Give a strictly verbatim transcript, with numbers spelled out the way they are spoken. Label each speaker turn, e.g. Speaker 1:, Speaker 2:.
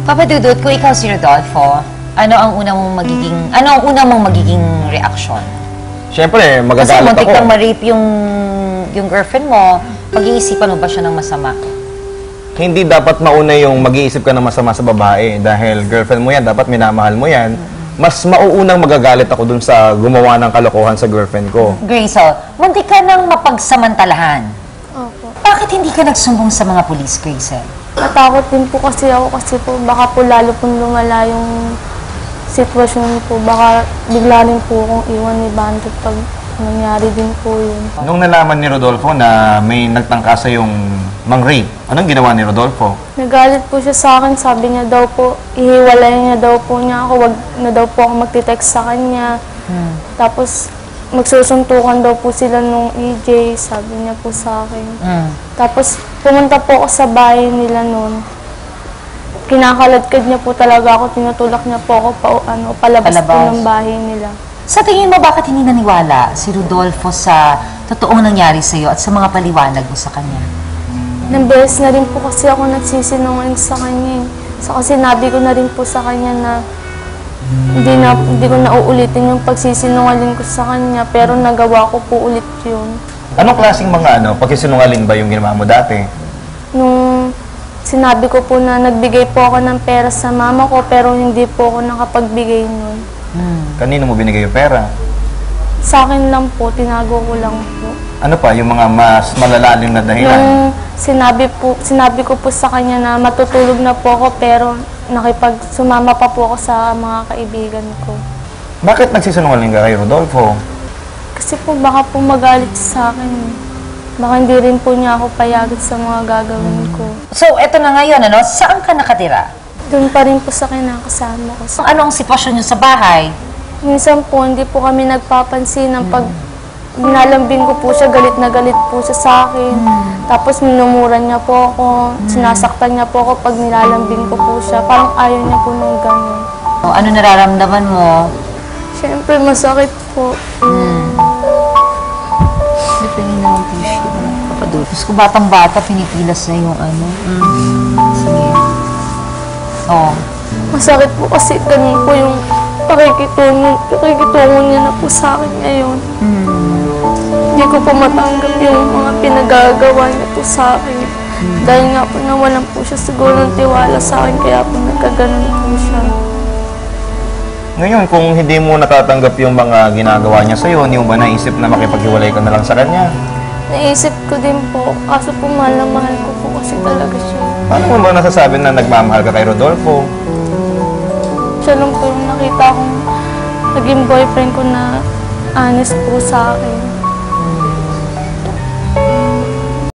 Speaker 1: Papa Dudut, kung ikaw si Rodolfo, ano ang una mong magiging, ano ang una mong magiging reaksyon?
Speaker 2: Siyempre, magagalit
Speaker 1: Kasi
Speaker 2: ako.
Speaker 1: muntik kang ma-rape yung, yung girlfriend mo, pag-iisipan mo ba siya ng masama?
Speaker 2: Hindi dapat mauna yung mag-iisip ka ng masama sa babae dahil girlfriend mo yan, dapat minamahal mo yan. Mas mauunang magagalit ako dun sa gumawa ng kalokohan sa girlfriend ko.
Speaker 1: Grazel, muntik ka nang mapagsamantalahan.
Speaker 3: Opo.
Speaker 1: Bakit hindi ka nagsumbong sa mga police, Grazel?
Speaker 3: Natakot din po kasi ako kasi po baka po lalo pong lumala yung sitwasyon po. Baka bigla rin po akong iwan ni Bandit pag nangyari din po yun.
Speaker 2: Nung nalaman ni Rodolfo na may nagtangka sa yung mang-rape, anong ginawa ni Rodolfo?
Speaker 3: Nagalit po siya sa akin. Sabi niya daw po, ihiwalay niya daw po niya ako. Wag na daw po ako magtitext sa kanya.
Speaker 1: Hmm.
Speaker 3: Tapos magsusuntukan daw po sila nung E J, sabi niya po sa akin.
Speaker 1: Mm.
Speaker 3: Tapos pumunta po ako sa bahay nila noon. Kinakaladkad niya po talaga ako, tinutulak niya po ako pa, ano, palabas,
Speaker 1: Palabas.
Speaker 3: po ng bahay nila.
Speaker 1: Sa tingin mo, bakit hindi naniwala si Rodolfo sa totoong nangyari sa'yo at sa mga paliwanag mo sa kanya?
Speaker 3: Nang beses na rin po kasi ako nagsisinungaling sa kanya. eh. So, kasi sinabi ko na rin po sa kanya na hindi, na hindi ko na uulitin yung pagsisinungaling ko sa kanya, pero nagawa ko po ulit yun.
Speaker 2: Anong klaseng mga ano, pagsisinungaling ba yung ginawa mo dati?
Speaker 3: Nung sinabi ko po na nagbigay po ako ng pera sa mama ko, pero hindi po ako nakapagbigay nun.
Speaker 1: Hmm.
Speaker 2: Kanino mo binigay yung pera?
Speaker 3: Sa akin lang po, tinago ko lang po.
Speaker 2: Ano pa, yung mga mas malalalim na dahilan?
Speaker 3: Nung sinabi, po, sinabi ko po sa kanya na matutulog na po ako, pero nakipag sumama pa po ako sa mga kaibigan ko.
Speaker 2: Bakit nagsisinungaling ka kay Rodolfo?
Speaker 3: Kasi po baka po magalit sa akin. Baka hindi rin po niya ako payagat sa mga gagawin ko.
Speaker 1: So, eto na ngayon, ano? Saan ka nakatira?
Speaker 3: Doon pa rin po sa kinakasama ko.
Speaker 1: So, ano ang sitwasyon niyo sa bahay?
Speaker 3: Minsan po, hindi po kami nagpapansin ng pag nalambing ko po siya, galit na galit po siya sa akin. Tapos minumura niya po ako, sinasaktan niya po ako pag nilalambing ko po siya. Parang ayaw niya po nung gano'n.
Speaker 1: O, ano nararamdaman mo?
Speaker 3: Siyempre, masakit po.
Speaker 1: Hmm. May pingin na ng tissue. Papadulpos ko, batang-bata, pinipilas na yung ano. Mm. Sige. Oo.
Speaker 3: Masakit po kasi ganun po yung pakikitungo, pakikitungo niya na po sa akin ngayon.
Speaker 1: Mm.
Speaker 3: Hindi ko po matanggap yung mga pinagagawa niya po sa akin.
Speaker 1: Hmm.
Speaker 3: Dahil nga po nawalan po siya siguro ng tiwala sa akin, kaya po nagkaganon po siya.
Speaker 2: Ngayon, kung hindi mo natatanggap yung mga ginagawa niya sa'yo, hindi mo ba naisip na makipaghiwalay ka na lang sa kanya?
Speaker 3: Naisip ko din po, kaso po mahal na mahal ko po kasi talaga siya.
Speaker 2: Paano mo ba nasasabi na nagmamahal ka kay Rodolfo?
Speaker 3: Siya lang po yung nakita kong naging boyfriend ko na honest po sa akin.